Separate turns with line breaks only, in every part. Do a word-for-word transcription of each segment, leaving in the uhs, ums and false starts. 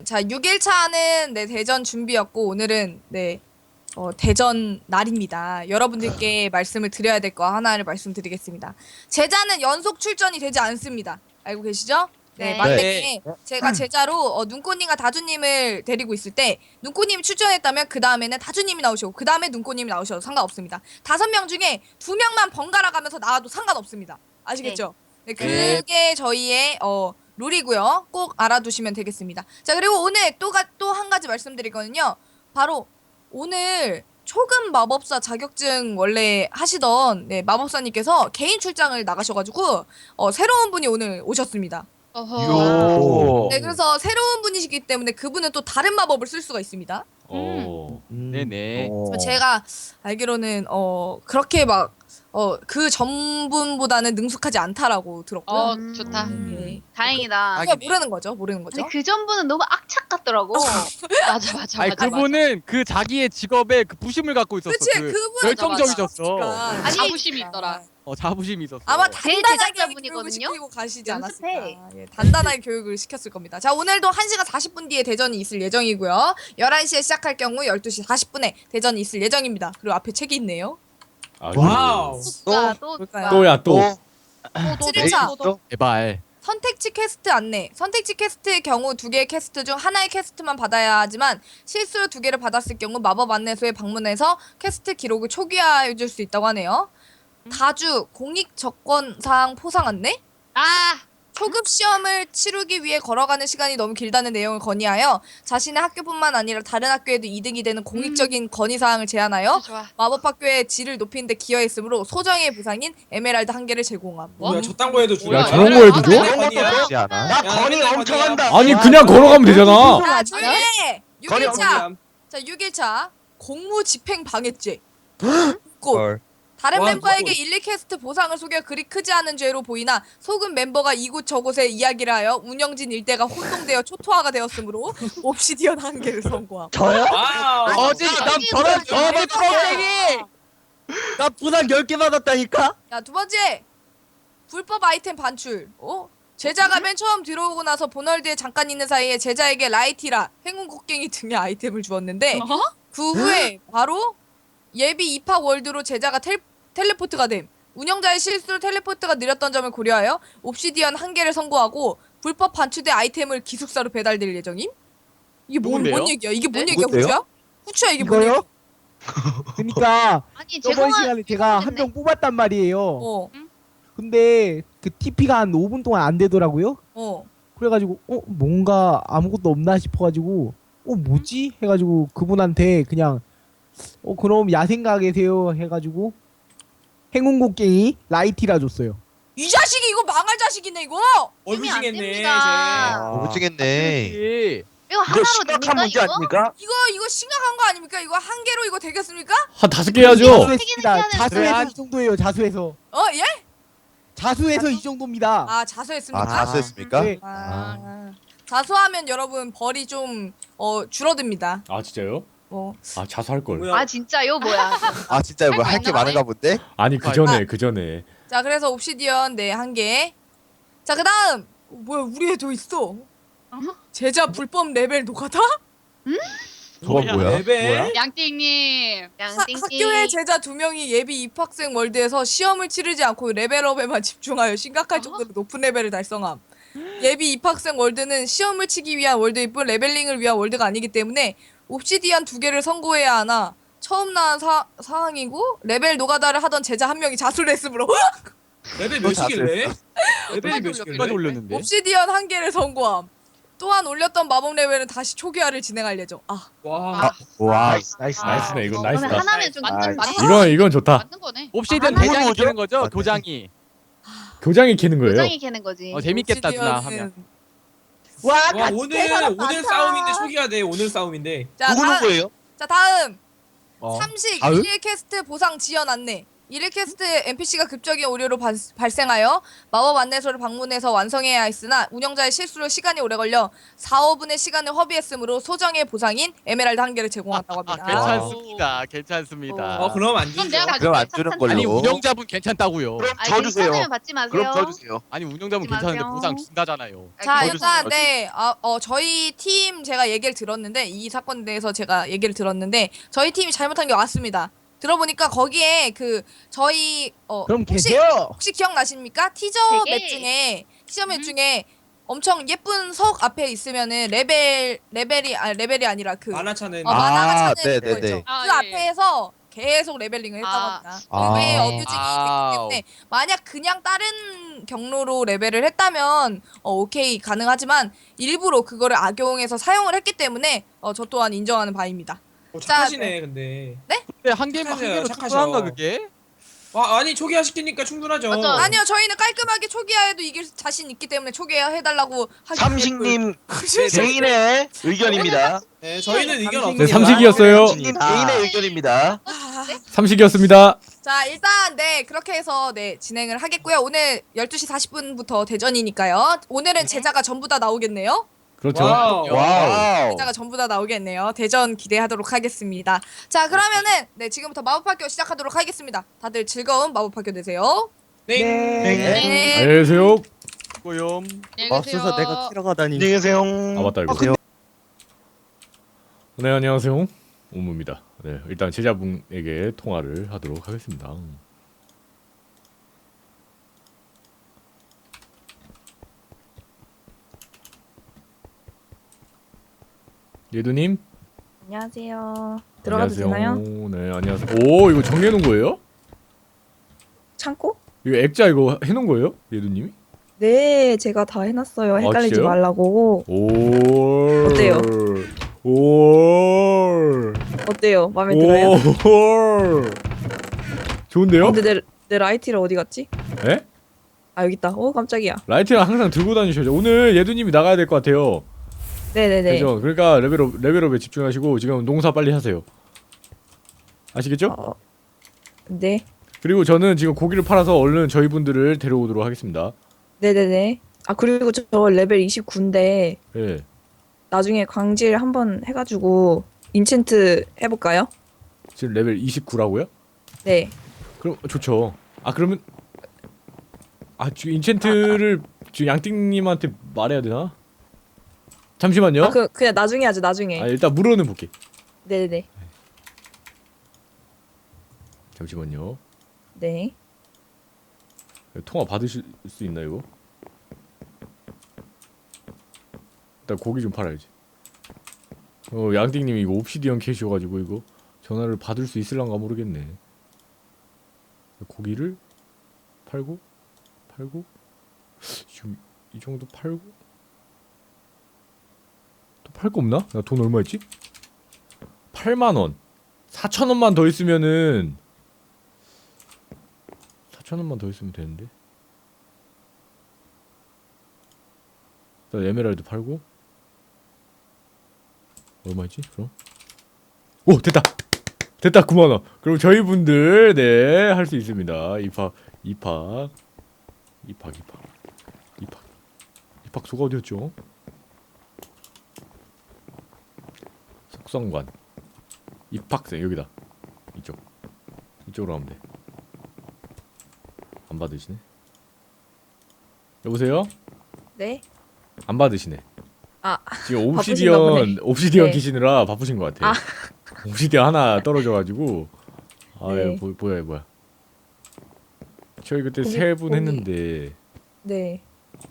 자, 육 일차는 네, 대전 준비였고 오늘은 네. 어, 대전 날입니다. 여러분들께 말씀을 드려야 될 거 하나를 말씀드리겠습니다. 제자는 연속 출전이 되지 않습니다. 알고 계시죠? 네,
네.
만약에
네.
제가 제자로 어, 눈꽃님과 다주님을 데리고 있을 때 눈꽃님이 출전했다면 그 다음에는 다주님이 나오시고 그 다음에 눈꽃님이 나오셔도 상관없습니다. 다섯 명 중에 두 명만 번갈아 가면서 나와도 상관없습니다. 아시겠죠? 네,
네.
그게 저희의 어, 룰이고요. 꼭 알아두시면 되겠습니다. 자, 그리고 오늘 또 한 가지 말씀드리거든요. 바로 오늘 초급 마법사 자격증 원래 하시던 네, 마법사님께서 개인 출장을 나가셔가지고 어, 새로운 분이 오늘 오셨습니다.
요.
네, 그래서 새로운 분이시기 때문에 그분은 또 다른 마법을 쓸 수가 있습니다.
어.
네네.
어.
제가 알기로는 어 그렇게 막 어 그 전분보다는 능숙하지 않다라고 들었고요.
어
음.
좋다.
네.
다행이다.
그러니까 모르는 거죠, 모르는 거죠.
근데 그 전부는 너무 악착 같더라고. 맞아 맞아
아니
맞아.
그분은 그 자기의 직업에 그 부심을 갖고 있었어.
그치,
그
그분은
열정적이셨어.
그러니까.
아니,
자부심이 있더라.
어 자부심이 있었어.
아마
제일
단단하게
제작자분이거든요?
교육을 시키고 가시지
연습해.
않았을까. 예, 단단하게 교육을 시켰을 겁니다. 자, 오늘도 한 시간 사십 분 뒤에 대전이 있을 예정이고요. 열한 시에 시작할 경우 열두 시 사십 분에 대전이 있을 예정입니다. 그리고 앞에 책이 있네요.
와우.
또가 또
볼까요?
또야 또.
칠 일차
제발.
선택지 퀘스트 안내. 선택지 퀘스트의 경우 두 개의 퀘스트 중 하나의 퀘스트만 받아야 하지만 실수로 두 개를 받았을 경우 마법 안내소에 방문해서 퀘스트 기록을 초기화해 줄 수 있다고 하네요. 다주 공익 접권 사항 포상 안내?
아
초급 시험을 치르기 위해 걸어가는 시간이 너무 길다는 내용을 건의하여 자신의 학교뿐만 아니라 다른 학교에도 이득이 되는 공익적인 건의사항을 제안하여
좋아.
마법학교의 질을 높이는 데 기여했으므로 소정의 보상인 에메랄드 한 개를 제공함.
뭐야 저딴 거에도 줘?
야 저런 거에도 줘?
그렇지 않아?
나 건이 엄청 한다.
아니 그냥 걸어가면 되잖아.
자, 조용히 해!
건이
육 일차!
엄청.
자, 육 일차 공무집행 방해죄. 꼭
헐.
다른
와,
멤버에게
이거-
일, 이 퀘스트 보상을 속여 그리 크지 않은 죄로 보이나 속은 멤버가 이곳 저곳에 이야기를 하여 운영진 일대가 혼동되어 초토화가 되었으므로 옵시디언 한 개를 선고함.
저요?
와우.
어제 난
이게
저런
뭐야,
저런
이게
껍데기.
나 부상 열 개 받았다니까?
자, 두 번째. 불법 아이템 반출. 어? 제자가 맨 처음 들어오고 나서 보널드에 잠깐 있는 사이에 제자에게 라이티라, 행운 곡괭이 등의 아이템을 주었는데 그 후에 바로 예비 입학 월드로 제자가 텔, 텔레포트가 됨. 운영자의 실수로 텔레포트가 느렸던 점을 고려하여 옵시디언 한 개를 선고하고 불법 반출된 아이템을 기숙사로 배달될 예정임? 이게 뭔,
누군데요?
뭔 얘기야? 이게 뭔
네?
얘기야,
누군데요?
후추야? 후추야, 이게 뭔
이거요?
얘기야?
그러니까
아니
저번
제공한
시간에 제가 한 명 뽑았단 말이에요.
어,
근데 그 티피가 한 오 분 동안 안 되더라고요.
어.
그래가지고 어 뭔가 아무것도 없나 싶어가지고 어 뭐지 해가지고 그분한테 그냥 어 그럼 야생가 계세요 해가지고 행운곡괭이 라이티라 줬어요.
이 자식이 이거 망할 자식이네, 이거!
얼굴
안
징했네.
됩니다.
오징했네.
예.
이거 하나로 됩니까 이거?
아닙니까?
이거 이거 심각한 거 아닙니까? 이거 한 개로 이거 되겠습니까?
한 다섯 개 해야죠.
자수했습니다.
해야 되는데.
자수해서 이 정도예요. 자수해서
어, 예?
자수해서 이 정도입니다.
아, 자수했습니다.
아, 자수했습니까?
네.
아, 자수하면 여러분 벌이 좀 어, 줄어듭니다.
아 진짜요?
어.
아 자수할 걸.
뭐야?
아 진짜요 뭐야?
아 진짜 뭐 할 게 많은가 본데?
아니 그 전에 그 전에.
자, 그래서 옵시디언 네, 한 개. 자, 그다음 어, 뭐야, 우리 애도 있어. 제자 불법 레벨 노가다?
저건 뭐야?
레벨?
양띵님.
하,
양띵님.
학교에 제자 두 명이 예비 입학생 월드에서 시험을 치르지 않고 레벨업에만 집중하여 심각할 정도로 높은 레벨을 달성함. 예비 입학생 월드는 시험을 치기 위한 월드일 뿐 레벨링을 위한 월드가 아니기 때문에 옵시디언 두 개를 선고해야 하나 처음 나온 사, 사항이고 레벨 노가다를 하던 제자 한 명이 자수를 했으므로
레벨 몇이길래? 레벨이
끝까지
몇이길래?
올렸는데.
옵시디언 한 개를 선고함. 또한 올렸던 마법 레벨은 다시 초기화를 진행할 예정. 아,
와.
와.
나이스 나이스 나이스.
나이스네 이건
그러면
나이스다.
하나면 좀
아,
맞는
이건 이건 좋다.
맞는 거네.
옵시디언
아,
대장이
뭐죠?
되는 거죠?
맞네.
도장이.
교장이 캐는 거예요.
도장이 캐는 거지.
어 재밌겠다 누나
옵시디언은-
하면.
와,
와
같이
오늘
해봐라,
오늘
많다.
싸움인데 초기화 돼. 오늘 싸움인데.
자,
누구는
다음,
거예요?
자 다음
어.
삼식
다음?
일 일 퀘스트 보상 지연 안내. 이레캐스트 엔피씨가 급적인 오류로 발, 발생하여 마법 안내소를 방문해서 완성해야 했으나 운영자의 실수로 시간이 오래 걸려 사, 오 분의 시간을 허비했으므로 소정의 보상인 에메랄드 한 개를 제공한다고
아,
합니다.
괜찮습니다. 괜찮습니다.
어 그럼 안
그럼
주죠.
내가
그럼 안
가져갈게.
주는
참-
걸로.
아니 운영자분 괜찮다고요.
그럼
아니,
저 주세요.
괜찮으면 받지 마세요.
그럼 저 주세요.
아니 운영자분
하지
괜찮은데
마세요.
보상 준다잖아요.
자
아,
일단 네, 아, 어, 저희 팀 제가 얘기를 들었는데 이 사건에 대해서 제가 얘기를 들었는데 저희 팀이 잘못한 게 왔습니다. 들어보니까 거기에 그 저희 어
그럼
혹시
계세요.
혹시 기억나십니까? 티저
되게.
맵 중에 티저 맵
음.
중에 엄청 예쁜 석 앞에 있으면은 레벨 레벨이 아 레벨이 아니라 그 어,
만화차는
어, 만화가
아,
차는 그거
네네네.
있죠.
아,
그
예.
앞에서 계속 레벨링을 했다고
아.
합니다.
아.
그게 어뷰징이 됐기
아우.
때문에 만약 그냥 다른 경로로 레벨을 했다면 어, 오케이 가능하지만 일부러 그거를 악용해서 사용을 했기 때문에 어, 저 또한 인정하는 바입니다.
어,
자,
착하시네 근데.
근데 한 개만 한
착하셔요,
개로
착하셔.
충분한가 그게?
와 아니 초기화 시키니까 충분하죠.
맞아.
아니요, 저희는 깔끔하게 초기화해도 이길 자신 있기 때문에 초기화 해달라고 하기
삼식님
때문에.
개인의 의견입니다.
네 저희는 의견
네,
없습니다.
삼식이었어요.
삼식님 개인의 의견입니다.
아,
삼식이었습니다.
자 일단 네 그렇게 해서 네 진행을 하겠고요. 오늘 열두 시 사십 분부터 대전이니까요. 오늘은 제자가 전부 다 나오겠네요.
그렇죠.
와우.
와우.
제자가 전부 다 나오겠네요. 대전 기대하도록 하겠습니다. 자 그러면은 네 지금부터 마법학교 시작하도록 하겠습니다. 다들 즐거운 마법학교 되세요.
네.
네.
안녕히 계세요.
고염.
맙소사 내가
키러가다니.
안녕히 계세요.
아 맞다 이거. 네 안녕하세요. 오무입니다. 네 일단 제자분에게 통화를 하도록 하겠습니다. 예두님
안녕하세요. 들어가도
안녕하세요.
되나요?
네 안녕하세요. 오 이거 정리해놓은 거예요?
창고?
이거 액자 이거 해놓은 거예요? 예두님이?
네, 제가 다 해놨어요. 헷갈리지
진짜요?
말라고.
오
어때요?
오
어때요? 마음에 들어요?
오 좋은데요?
근데 내, 내 라이티를 어디 갔지?
에?
아 여기 있다. 오 깜짝이야.
라이트를 항상 들고 다니셔야죠. 오늘 예두님이 나가야 될 것 같아요.
네네네.
그죠? 그러니까 레벨업 레벨업에 집중하시고 지금 농사 빨리 하세요. 아시겠죠?
어, 네.
그리고 저는 지금 고기를 팔아서 얼른 저희 분들을 데려오도록 하겠습니다.
네네네. 아 그리고 저, 저 레벨 이십구인데
예.
나중에 광질 한번 해가지고 인챈트 해볼까요?
지금 레벨 이십구라고요?
네.
그럼 좋죠. 아 그러면 아 지금 인챈트를 지금 양띵님한테 말해야 되나? 잠시만요.
아 그 그냥 나중에 하죠. 나중에.
아, 일단 물어는 볼게.
네네네.
잠시만요.
네.
통화 받으실 수 있나 이거? 일단 고기 좀 팔아야지. 어 양띵님이 이거 옵시디언 캐시여가지고 이거 전화를 받을 수 있을란가 모르겠네. 고기를 팔고 팔고 지금 이 정도 팔고 또 팔 거 없나? 나 돈 얼마 있지? 팔만 원. 사천 원만 더 있으면은 사천 원만 더 있으면 되는데. 일단 에메랄드 팔고 얼마 있지? 그럼 오 됐다 됐다 구만 원. 그럼 저희 분들 네 할 수 있습니다. 입학 입학 입학 입학 입학 입학소가 어디였죠? 속성관 입학생 여기다. 이쪽 이쪽으로 가면 돼. 안 받으시네. 여보세요?
네.
안 받으시네.
아
지금
바쁘신가 보네.
옵시디언 옵시디언
네.
키시느라 바쁘신 것 같아요.
아.
옵시디언 하나 떨어져가지고 아
네.
예, 뭐, 뭐야 뭐야. 저희 그때
거기-
세 분
거기-
했는데
네.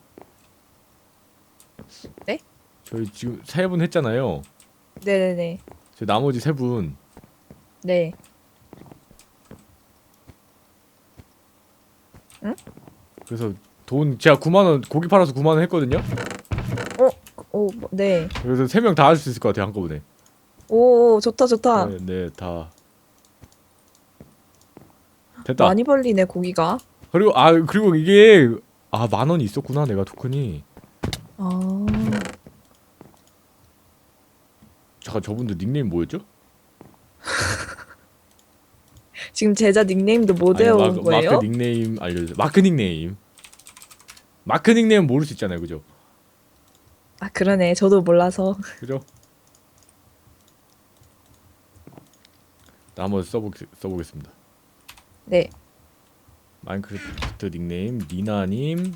저희 지금 세 분 했잖아요.
네네네.
저 나머지 세 분
네.
그래서 돈 제가 구만 원 고기 팔아서 구만 원 했거든요.
오 뭐, 네.
그래서 세 명 다 할 수 있을 것 같아요 한꺼번에.
오 좋다 좋다.
네, 네, 다 됐다.
많이 벌리네 고기가.
그리고 아 그리고 이게 아 만 원이 있었구나 내가 토큰이.
아
잠깐 저분들 닉네임 뭐였죠?
지금 제자 닉네임도 못
아니,
외워온
마크,
거예요?
마크 닉네임 알려주세요. 마크 닉네임. 마크 닉네임 모를 수 있잖아요, 그죠?
아 그러네. 저도 몰라서.
그죠? 나 한번 써보 써보겠습니다.
네.
마인크래프트 닉네임 니나님.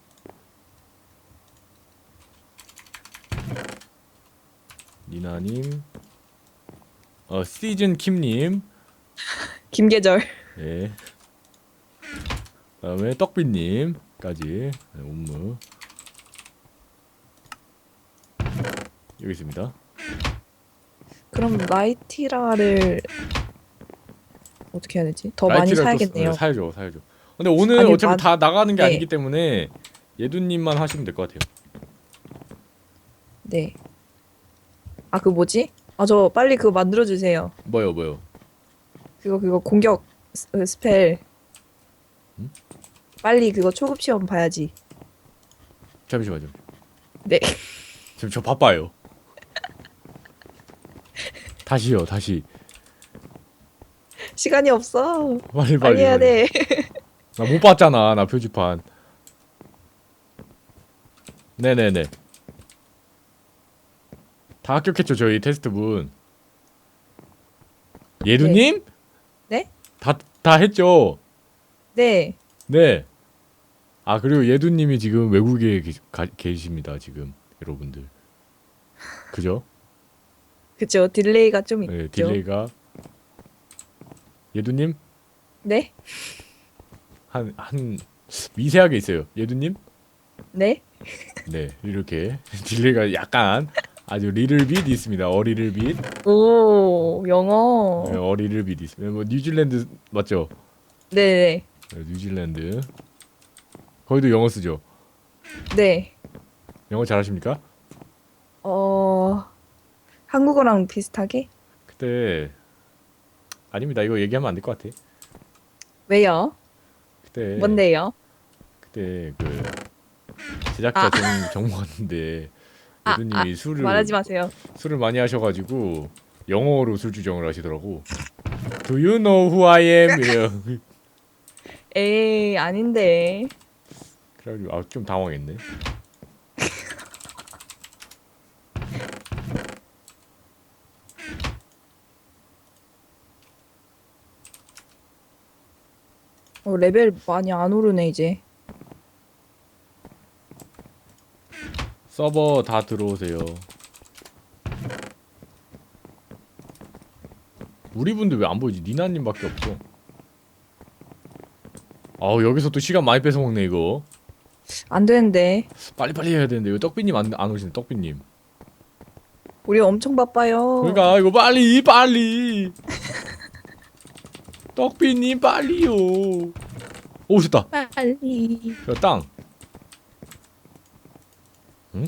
니나님. 어 시즌 킴님.
김계절.
예. 그다음에 떡비님까지 네, 옴무 여기 있습니다.
그럼 라이티라를 어떻게 해야 되지? 더 많이
라이트를 또
사야겠네요.
쓰- 사야죠, 사야죠. 근데 오늘
아니,
어차피
만-
다 나가는 게
네.
아니기 때문에 예두님만 하시면 될 것 같아요.
네. 아 그 뭐지? 아 저 빨리 그거 만들어 주세요.
뭐요, 뭐요?
그거 그거 공격 스, 그 스펠.
음?
빨리 그거 초급 시험 봐야지.
잠시만요.
네.
지금 저 바빠요. 다시요, 다시.
시간이 없어.
빨리 빨리.
빨리 해야 돼.
나 못 봤잖아, 나 표지판. 네네네. 다 합격했죠, 저희 테스트분. 예두님?
네?
다, 다 했죠?
네.
네. 아, 그리고 예두님이 지금 외국에 계, 가, 계십니다, 지금. 여러분들. 그죠?
그쵸. 딜레이가 좀 있죠.
네, 딜레이가. 예두님?
네?
한, 한, 미세하게 있어요. 예두님?
네?
네, 이렇게. 딜레이가 약간 아주 리틀빗 있습니다. 어리를빗.
오 영어.
네, 어리를빗 있습니다. 뭐 뉴질랜드 맞죠?
네네.
네, 뉴질랜드. 거기도 영어 쓰죠?
네.
영어 잘하십니까?
어 한국어랑 비슷하게?
그때 아닙니다. 이거 얘기하면 안 될 것 같아.
왜요?
그때
뭔데요?
그때 그 제작자
아.
정, 정모 같은데
아,
예두님이
아,
술을
말하지 마세요.
술을 많이 하셔가지고 영어로 술 주정을 하시더라고. Do you know who I am? 이래요.
에이 아닌데.
그래가지고 아, 좀 당황했네.
어, 레벨 많이 안 오르네 이제.
서버 다 들어오세요. 우리 분들 왜 안 보이지? 니나님밖에 없어. 아우 여기서 또 시간 많이 뺏어 먹네 이거.
안 되는데.
빨리빨리 해야 되는데 이거 떡비님 안, 안 오시네 떡비님.
우리 엄청 바빠요.
그러니까 이거 빨리 빨리. 떡비님 빨리요. 오 오셨다.
빨리.
야, 땅. 응?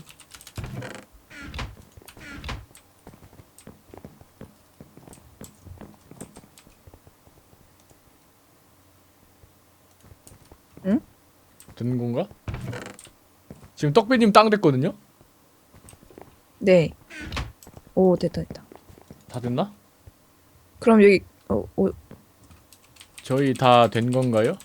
응?
되는 건가? 지금 떡비님 땅 됐거든요?
네. 오 됐다 됐다.
다 됐나?
그럼 여기 어, 어
저희 다 된 건가요?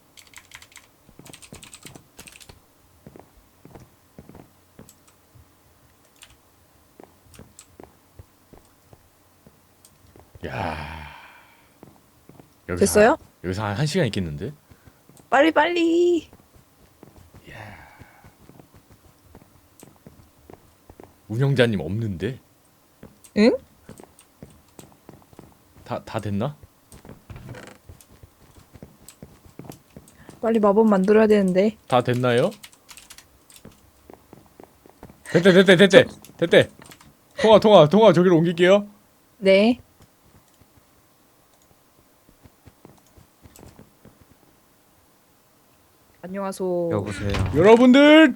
야. 여기서
됐어요?
한, 여기서 한, 한 시간 있겠는데?
빨리 빨리.
운영자님 없는데?
응?
다, 다 됐나?
빨리 마법 만들어야 되는데.
다 됐나요? 됐대 됐대 됐대 됐대 통화 통화 통화 저기로 옮길게요.
네. 안녕하소.
여보세요.
여러분들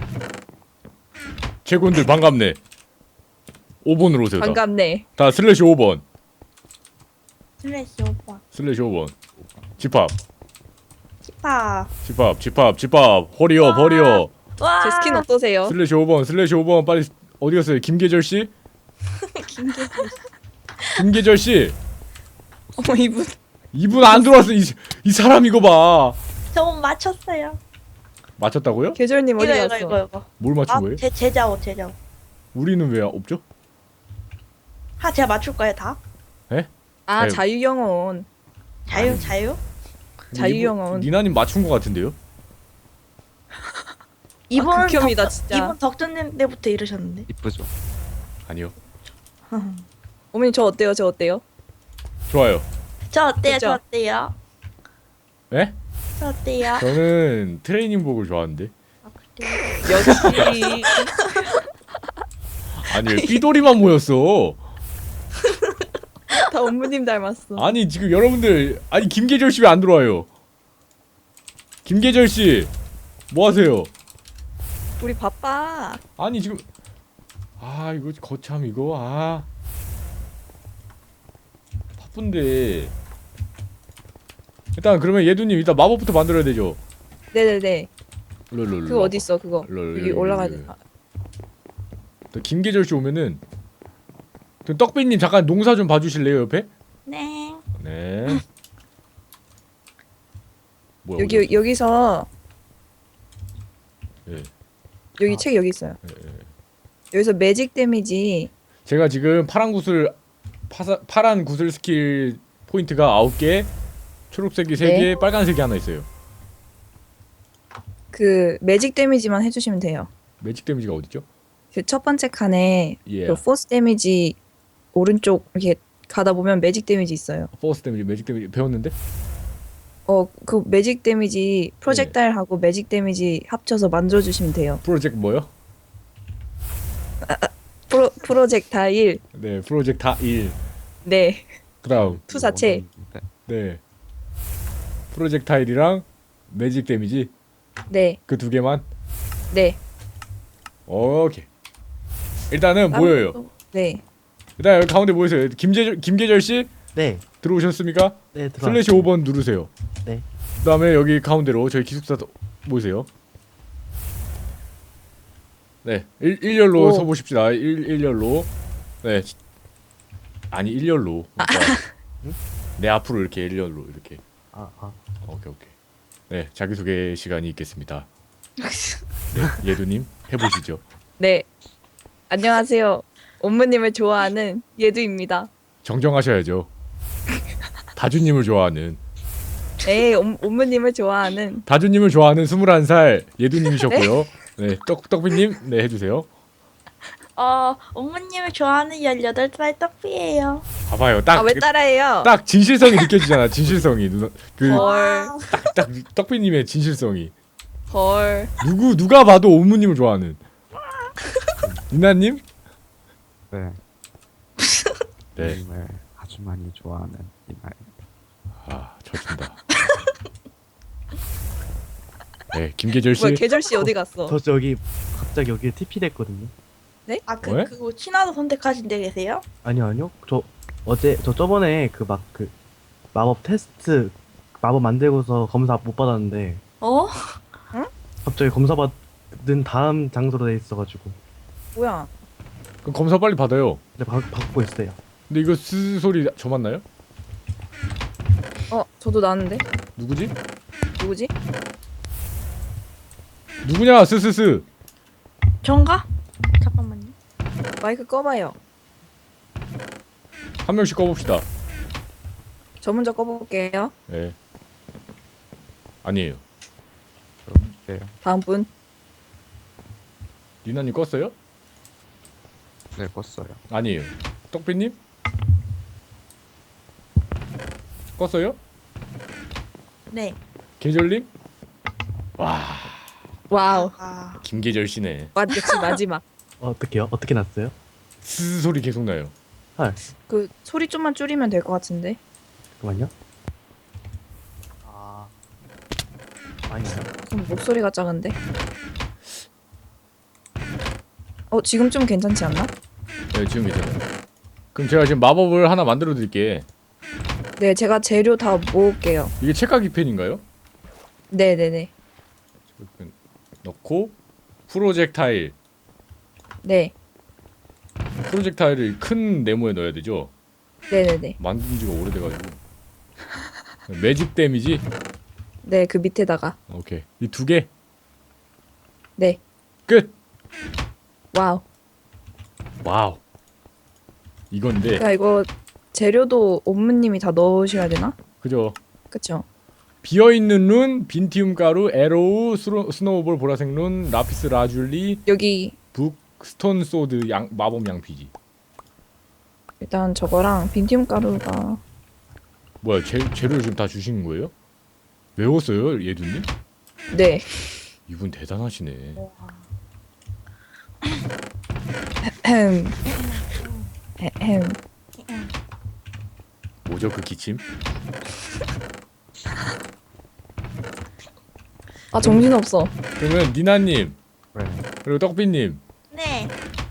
최군들 반갑네. 오 번으로 오세요. 다.
반갑네.
다 슬래시 오 번
슬래시 오빠.
슬래시 오 번 집합
키파.
집합 집합 집합 허리업 허리업
와.
제 스킨 어떠세요?
슬래시 오 번 슬래시 오 번 빨리 어디 갔어요? 김계절 씨?
김계절.
김계절 씨
어머 이분
이분 안 들어왔어. 이, 이 사람 이거 봐.
저 맞췄어요.
맞췄다고요?
계절님 어디
이거 이거
갔어?
이거 이거.
뭘 맞춘 거예요?
아제 제자 옷 제자 옷.
우리는 왜 없죠?
하 제가 맞출 거예요 다.
아
자유.
자유영혼.
자유 자유.
자유영혼.
니나님 맞춘 거 같은데요?
이번
아, 극혐이다
덕-
진짜.
이번 덕전님 때부터 이러셨는데.
이쁘죠.
아니요.
어머님 저 어때요? 저 어때요?
좋아요.
저 어때요?
그쵸?
저 어때요?
예?
저 어때요?
저는 트레이닝복을 좋아하는데.
아, 그래요?
역시.
아니 왜 삐돌이만 모였어?
다 어머님 닮았어.
아니 지금 여러분들 아니 김계절 씨 왜 안 들어와요? 김계절 씨 뭐 하세요?
우리 바빠.
아니 지금 아 이거 거참 이거 아 바쁜데 일단 그러면 예두님 일단 마법부터 만들어야 되죠.
네네네.
롤롤롤.
그거 어디 있어 그거?
롤,
여기
롤,
올라가야
롤.
돼. 아,
또 김계절 씨 오면은 그 떡비님 잠깐 농사 좀 봐주실래요 옆에?
네.
네. 뭐야,
여기
어디
여기서
예.
여기
아.
책 여기 있어요.
예, 예.
여기서 매직 데미지.
제가 지금 파란 구슬 파사, 파란 구슬 스킬 포인트가 아홉 개, 초록색이 세 개,
네.
빨간색이 하나 있어요.
그 매직 데미지만 해주시면 돼요.
매직 데미지가 어디죠?
그 첫 번째 칸에
예.
그 포스 데미지 오른쪽 이렇게 가다 보면 매직 데미지 있어요.
포스 데미지, 매직 데미지 배웠는데?
어 그 매직 데미지 프로젝타일하고 매직 데미지 합쳐서 만들어주시면 돼요.
프로젝트 뭐요?
프로 프로젝타일.
네, 프로젝트 다 일.
네.
그다음
투사체.
네. 프로젝타일이랑 매직 데미지
네.
그 두 개만.
네.
오케이. 일단은
다른
모여요.
것도- 네.
일단 여기 가운데 모이세요. 김계절 김계절 씨
네.
들어오셨습니까?
네,
슬래시 오 번 누르세요.
네.
그다음에 여기 가운데로 저희 기숙사 모이세요. 네, 일, 일렬로
오.
서보십시다. 일, 일렬로. 네. 아니 일렬로. 그러니까 내 앞으로 이렇게 일렬로 이렇게.
아, 아.
오케이 오케이. 네, 자기소개 시간이 있겠습니다. 네, 예두님 해보시죠.
네. 안녕하세요. 옴무님을 좋아하는 예두입니다.
정정하셔야죠. 다주님을 좋아하는
네, 옴, 옴무님을 좋아하는
다주님을 좋아하는 스물한 살 예두님이셨고요. 네, 떡 떡비님 네 해주세요.
어 어머님을 좋아하는 열여덟 살 떡비예요.
봐봐요, 딱
아 왜 따라해요?
딱 진실성이 느껴지잖아. 진실성이 누나
헐.
그딱 떡비님의 진실성이
헐.
누구 누가 봐도 옴무님을 좋아하는 이나님
네,
네.
님을 아주 많이 좋아하는 이날.
아 져준다. 네, 김계절 씨.
뭐야 계절 씨 어디 갔어?
저 저기 갑자기 여기 티피 됐거든요.
아그
왜?
그거 친화도 선택하신 데 계세요?
아니요, 아니요. 저 어제 저 저번에 그 막 그 마법 테스트 마법 만들고서 검사 못 받았는데
어?
갑자기 검사 받은 다음 장소로 돼 있어가지고
뭐야?
그럼 검사 빨리 받아요.
근데 받, 받고 있어요.
근데 이거 스 소리 저 맞나요?
어 저도 나는데
누구지?
누구지?
누구냐 스스스.
전가? 잠깐만요.
마이크 꺼봐요.
한 명씩 꺼봅시다.
저 먼저 꺼볼게요.
네. 아니에요.
네,
다음 분.
리나님 껐어요?
네, 껐어요.
아니에요. 떡비님? 껐어요?
네.
계절님? 와
와우.
아
김계절 씨네.
마, 역시 마지막.
어, 어떻게요? 어떻게 났어요?
스 소리 계속 나요.
그 소리 좀만 줄이면 될 것 같은데.
잠깐만요. 아, 아니요.
좀 목소리가 작은데. 어 지금 좀 괜찮지 않나?
네 지금 괜찮아요. 그럼 제가 지금 마법을 하나 만들어 드릴게.
네 제가 재료 다 모을게요.
이게 책가기 펜인가요?
네네네.
넣고 프로젝타일.
네.
프로젝타일을 큰 네모에 넣어야 되죠?
네네네.
만든 지가 오래돼가지고. 매직 데미지.
네, 그 밑에다가.
오케이. 이 두 개.
네.
끝.
와우.
와우. 이건데.
그러니까 이거 재료도 옴무님이 다 넣으셔야 되나?
그죠.
그쵸?
비어있는 룬, 빈티움 가루, 에로우, 스노, 스노우볼 보라색 룬, 라피스 라줄리,
여기
북, 스톤 소드, 양, 마법 양피지.
일단 저거랑 빈티움 가루가
뭐야, 재, 재료를 지금 다 주신 거예요? 외웠어요, 예두님?
네.
이분 대단하시네.
햄. 햄.
뭐죠, 그 기침?
아 정신없어.
그러면 니나님,
네.
그리고 떡비님,
네.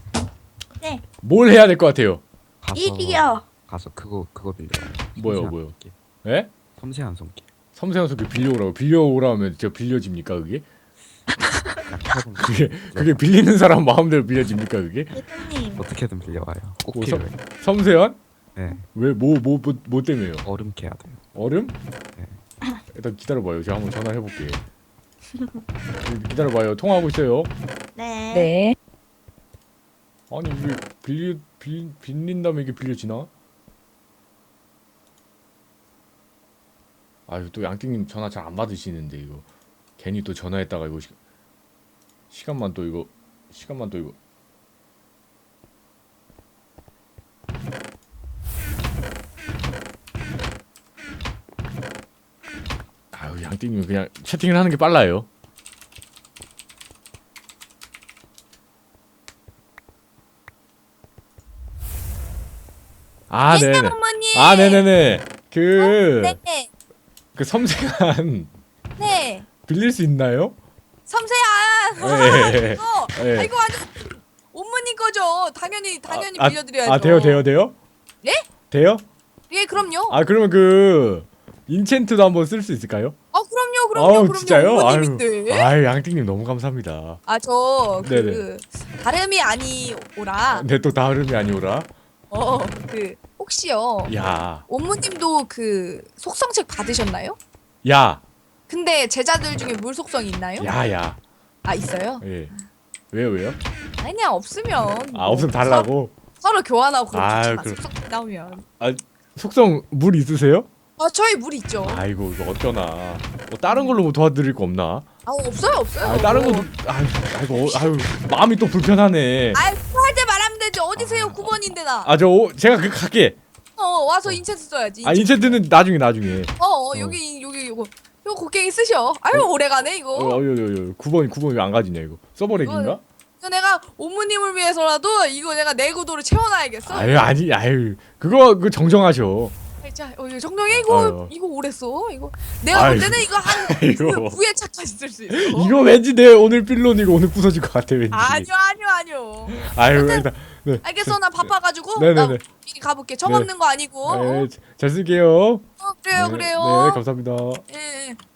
뭘 해야 될 것 같아요?
가서
일이요.
가서 그거 그거 빌려.
뭐요, 뭐요? 예?
섬세한 손길.
섬세한 소리 빌려오라고. 빌려오라면 저 빌려집니까, 그게?
어떻게든
그게, 그게 빌리는 사람 마음대로 빌려집니까, 그게?
대표님.
어떻게든 빌려와요. 꼭
뭐, 섬-
필요해.
섬세한?
네.
왜, 뭐, 뭐, 뭐, 뭐 때문에요?
얼음 캐야 돼요.
얼음?
네.
일단 기다려봐요. 제가 한번 전화해볼게. 기다려봐요. 통화하고 있어요.
네.
네.
아니 이게 빌리 빌 빌린 다음에 이게 빌려지나? 아유 또 양띵님 전화 잘 안 받으시는데 이거 괜히 또 전화했다가 이거 시, 시간만 또 이거 시간만 또 이거 아유 양띵님 그냥 채팅을 하는 게 빨라요. 아, 네네.
어머니.
아, 네네네. 그,
네.
그 섬세한
네.
빌릴 수 있나요?
섬세한.
네.
이거.
네.
아, 이거 완전 옴무님 거죠. 당연히 당연히
아,
빌려드려야죠.
아, 돼요, 돼요, 돼요?
예?
돼요?
예, 그럼요.
아, 그러면 그 인챈트도 한번 쓸 수 있을까요?
아, 그럼요, 그럼요,
아우,
그럼요.
진짜요?
옴무님인데.
아유, 아유, 양띵님 너무 감사합니다.
아, 저 그
네네.
다름이 아니오라.
네, 또 다름이 아니오라.
어, 그 혹시요.
야,
옴무님도 그 속성책 받으셨나요?
야,
근데 제자들 중에 물 속성이 있나요?
야, 야.
아, 있어요?
예. 왜요, 왜요?
아니, 그냥 없으면.
아,
뭐
없으면 달라고.
서로, 서로 교환하고 그러면
아유,
좋잖아.
그럼-
속성 나오면.
속성 물 있으세요?
아, 저희 물 있죠.
아이고, 이거 어쩌나. 뭐 다른 걸로 뭐 도와드릴 거 없나?
아, 없어요, 없어요.
아, 다른 것도 아유, 아이고, 아유, 마음이 또 불편하네.
아, 할때 말하면 되지. 어디세요? 구 번인데 나.
아, 저 오- 제가 그 갈게.
어, 와서 인챈트 써야지.
아, 인챈트는 나중에 나중에.
어, 어, 여기 여기 요거 요거 곡괭이 쓰셔. 아유, 오래가네 이거.
어, 어, 어, 어, 구 번, 구 번 왜 안 가지냐 이거. 서버렉인가?
이거 내가 옴무님을 위해서라도 이거 내가 내구도를 채워놔야겠어.
아유, 아니, 아유, 그거 그 정정하셔.
자, 어, 이거 정정해 이거
아유.
이거 오래 써. 이거 내가 볼
아이고.
때는 이거 한
아이고.
구 회차까지 쓸 수 있어.
이거 왠지 내 오늘 필론 이거 오늘 부서질 것 같아 왠지.
아니요, 아니요, 아니요.
아유,
근데-
일단. 네.
알겠어, 나 바빠가지고
네네네.
나 미리 가볼게. 정
네.
없는 거 아니고.
네, 잘 쓸게요.
어, 그래요,
네,
그래요.
네, 감사합니다.
예, 예.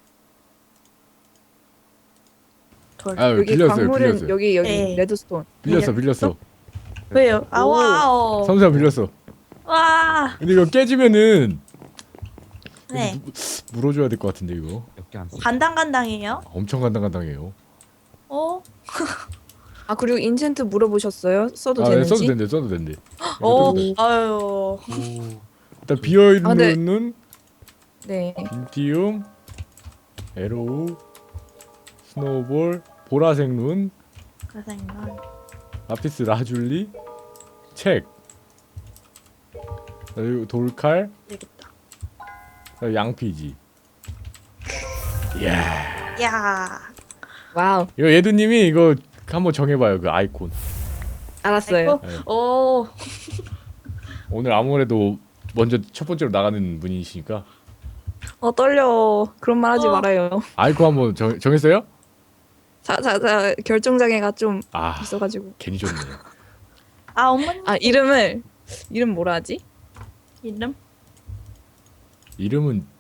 아유,
여기
빌렸어요,
광물은
빌렸어요.
여기 여기
네.
레드스톤.
빌렸어, 빌렸어.
왜요? 아, 와우.
삼삼 빌렸어.
와.
근데 이거 깨지면은
네.
물어줘야 될 것 같은데 이거.
몇 개 안 써.
간당간당해요.
엄청 간당간당해요.
어?
아 그리고 인챈트 물어보셨어요? 써도
아, 네,
되는지?
써도 된대, 써도 된대.
어.
써도 돼.
아유.
일단 비어
아, 네.
있는
네.
빈티움, 에로우, 스노우볼, 보라색 룬,
가상이만.
라피스 라줄리, 책, 그리고 돌칼,
되겠다.
그리고 양피지. 이야.
야.
와우.
이거 예두님이 이거 한번 정해봐요 그 아이콘.
알았어요.
네.
오.
오늘 아무래도 먼저 첫 번째로 나가는 분이시니까
어 떨려. 그런 말 하지
어.
말아요.
아이콘 한번 정, 정했어요?
자자자 결정장애가 좀
아
있어가지고.
괜히 좋네.
아, 어머님
아 이름을 이름 뭐라 하지?
이름?
이름은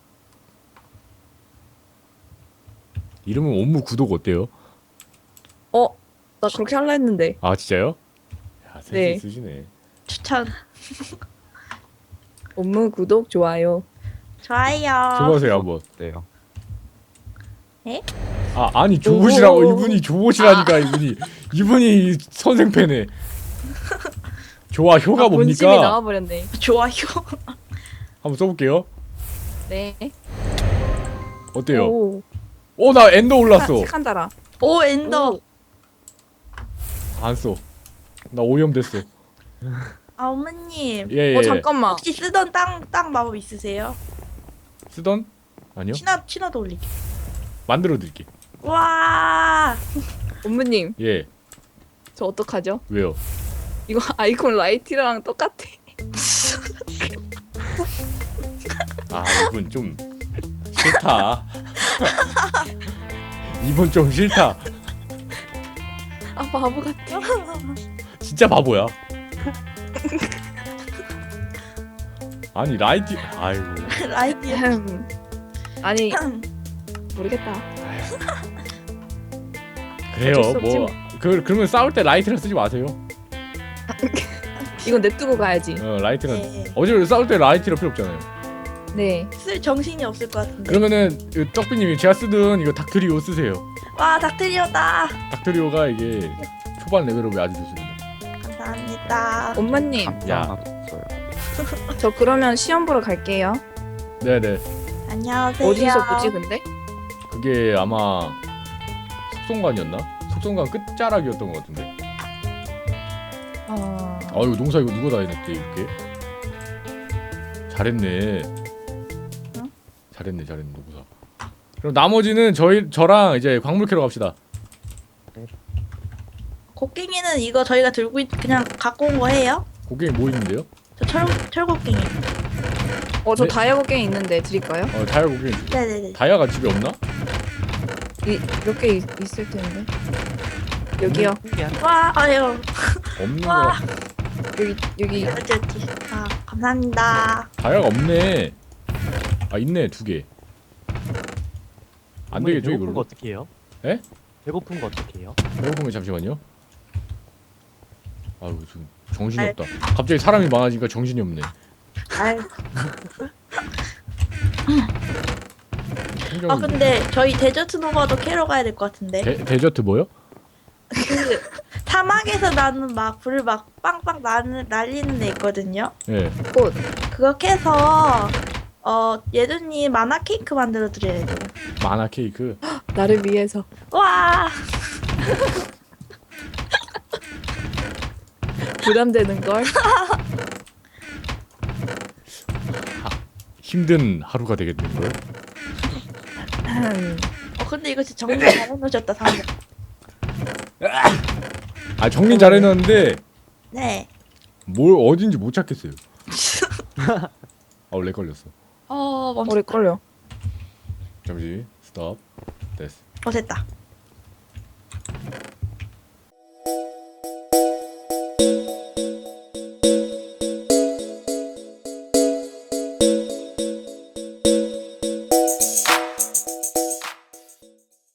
이름은 옴무 구독 어때요?
어? 나 그렇게 할라 했는데.
아 진짜요? 야 센스
네.
있으시네.
추천.
업무 구독 좋아요.
좋아요.
줘보세요 한번.
네요.
아 아니 줘보시라고.
오.
이분이 줘보시라니까. 이분이 이분이 선생패네. 좋아 효가
아, 본심이
뭡니까?
나와버렸네.
좋아요.
한번 써볼게요.
네.
어때요?
오.
오 나 엔더 올랐어.
색한 달아.
오 엔더.
오.
안 써. 나 오염 됐어.
아 어머님
예예.
어 잠깐만.
혹시 쓰던 땅 땅 마법 있으세요?
쓰던? 아니요.
친화 친화도 올리게.
만들어 드릴게.
와.
어머님
예.
저 어떡하죠?
왜요?
이거 아이콘 라이티랑 똑같아.
아 이분 좀 싫다. 이분 좀 싫다.
아 바보 같아.
진짜 바보야. 아니 라이티 아이고
라이트.
음. 아니 모르겠다.
그래요
어쩔 수 없지
뭐 그 그러면 싸울 때 라이트를 쓰지 마세요.
이건 냅두고 가야지.
어 라이트는
네.
어제 싸울 때 라이트가 필요 없잖아요.
네.
쓸 정신이 없을 것 같은데.
그러면은 그 떡비님이 제가 쓰던 이거 닥트리오 쓰세요.
와 닥트리오다.
닥트리오가 이게 초반 레벨업이 아주 좋습니다.
감사합니다.
엄마님
야.
하나도 없어요.
저 그러면 시험 보러 갈게요.
네네.
안녕하세요.
어디서 보지 근데?
그게 아마 속성관이었나? 속성관 끝자락이었던 것 같은데.
어...
아유 농사 이거 누가 다 해냈지 이렇게? 잘했네. 잘했네 잘했네 농사. 그럼 나머지는 저희 저랑 이제 광물 캐러 갑시다.
곡괭이는 이거 저희가 들고 있, 그냥 갖고 온 거 해요?
고객이 뭐 있는데요?
저 철, 철곡괭이.
어저
네.
다이아고 게임 있는데 드릴까요?
어 다이아 고객.
네네네.
다이아가 집에 없나?
몇 개 있을 텐데. 여기요.
와, 아유.
없는 거.
와.
여기 여기.
어디 어디. 아, 감사합니다.
다이아가 없네. 아 있네 두 개. 안 되겠죠
배고픈 거
이걸로?
어떻게 해요?
에?
배고픈 거 어떻게 해요?
배고프면 잠시만요. 아유 좀 정신이 없다. 갑자기 사람이 많아지니까 정신이 없네.
아유.
생각이
아, 근데 저희 데저트 노바도 캐러 가야 될 것 같은데.
데, 데저트 뭐요?
그 사막에서 나는 막 불을 막 빵빵 나는 날리는 애 있거든요.
예.
꽃.
그거 캐서 어 예두님 만화 케이크 만들어 드려야 돼요.
만화 케이크.
나를 위해서.
와.
부담되는 걸.
힘든 하루가 되겠는 걸.
어 근데 이거 진짜 정리 잘 해놓으셨다 상대.
아 정리 잘해놨는데
네.
뭘 어딘지 못 찾겠어요. 아우 렉 걸렸어.
어 멈춰.
오래 걸려.
잠시 스톱. 됐어.
어 됐다.